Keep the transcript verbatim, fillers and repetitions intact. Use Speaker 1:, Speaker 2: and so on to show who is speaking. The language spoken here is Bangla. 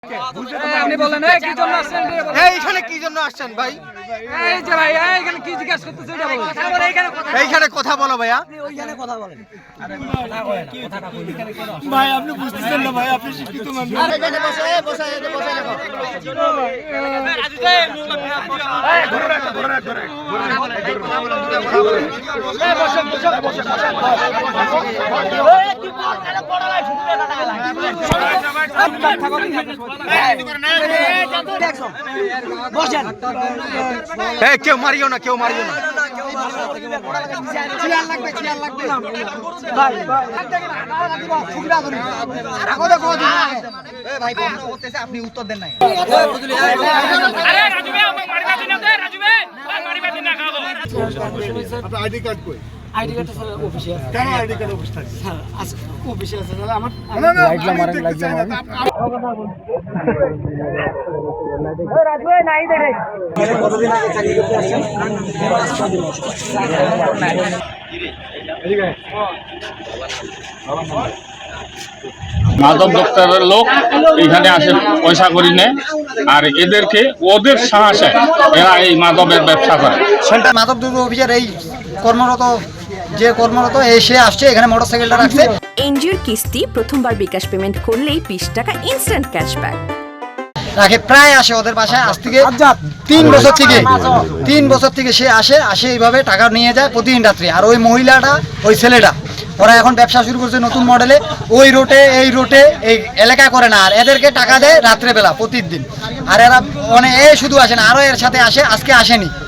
Speaker 1: আপনি বলেন কি জন্য আসছেন?
Speaker 2: এইখানে কি জন্য আসছেন ভাই?
Speaker 1: এই যে ভাই এইখানে কি জিজ্ঞাসা করতেছে এটা বলেন।
Speaker 2: এইখানে কথা বলো ভাইয়া।
Speaker 1: ওইখানে কথা বলেন।
Speaker 3: ভাই আপনি বুঝতেছেন না ভাই, আপনি শিক্ষিত মানুষ।
Speaker 2: আরে এখানে বসে বসে বসে রাখো।
Speaker 1: বসেন।
Speaker 2: এই কেউ মারিও না, কেউ মারিও না।
Speaker 1: চেয়ার লাগবে, চেয়ার লাগবে। ভাই ভাই সুবিধা করি। রাখো দেখো এই ভাই প্রশ্ন করতেছে আপনি উত্তর দেন নাই।
Speaker 4: আরে রাজু ভাই আমাকে মারিবা দিন না, রাজু ভাই মারিবা দিন না খাবো।
Speaker 3: আপনার আইডি কার্ড কই?
Speaker 1: আইডি কার্ড স্যার অফিসে আছে।
Speaker 3: কেন আইডি কার্ড অফিস থাকে?
Speaker 1: স্যার আছে অফিসে আছে স্যার আমার
Speaker 3: না না লাইটলা মারেন, লাইটলা মারেন।
Speaker 1: রাজু ভাই নাই দেখে। কতদিন আগে চাকরি করতে আসছেন?
Speaker 5: মাদক দপ্তরের লোক এখানে আসে পয়সা করি নেয়, আর এদেরকে ওদের সাহসে এরা এই মাদকের ব্যবসা করে।
Speaker 6: সেন্টার মাদক দ্রব্য অফিসার এই কর্মরত যে কর্মরত এসে আসছে এখানে মোটরসাইকেলটা রাখছে।
Speaker 7: এনজিওর কিস্তি প্রথমবার বিকাশ পেমেন্ট করলেই বিশ টাকা ইনস্ট্যান্ট ক্যাশব্যাক
Speaker 6: রাখে, প্রায় আসে ওদের বাসায় আজ থেকে তিন বছর থেকে তিন বছর থেকে সে আসে আসে এইভাবে টাকা নিয়ে যায় প্রতিদিন রাত্রে। আর ওই মহিলাটা ওই ছেলেটা ওরা এখন ব্যবসা শুরু করছে নতুন মডেলে, ওই রোটে এই রোটে এই এলাকায় করে না, আর এদেরকে টাকা দেয় রাত্রেবেলা প্রতিদিন। আর এরা মানে এ শুধু আসে না, আরও এর সাথে আসে, আজকে আসেনি।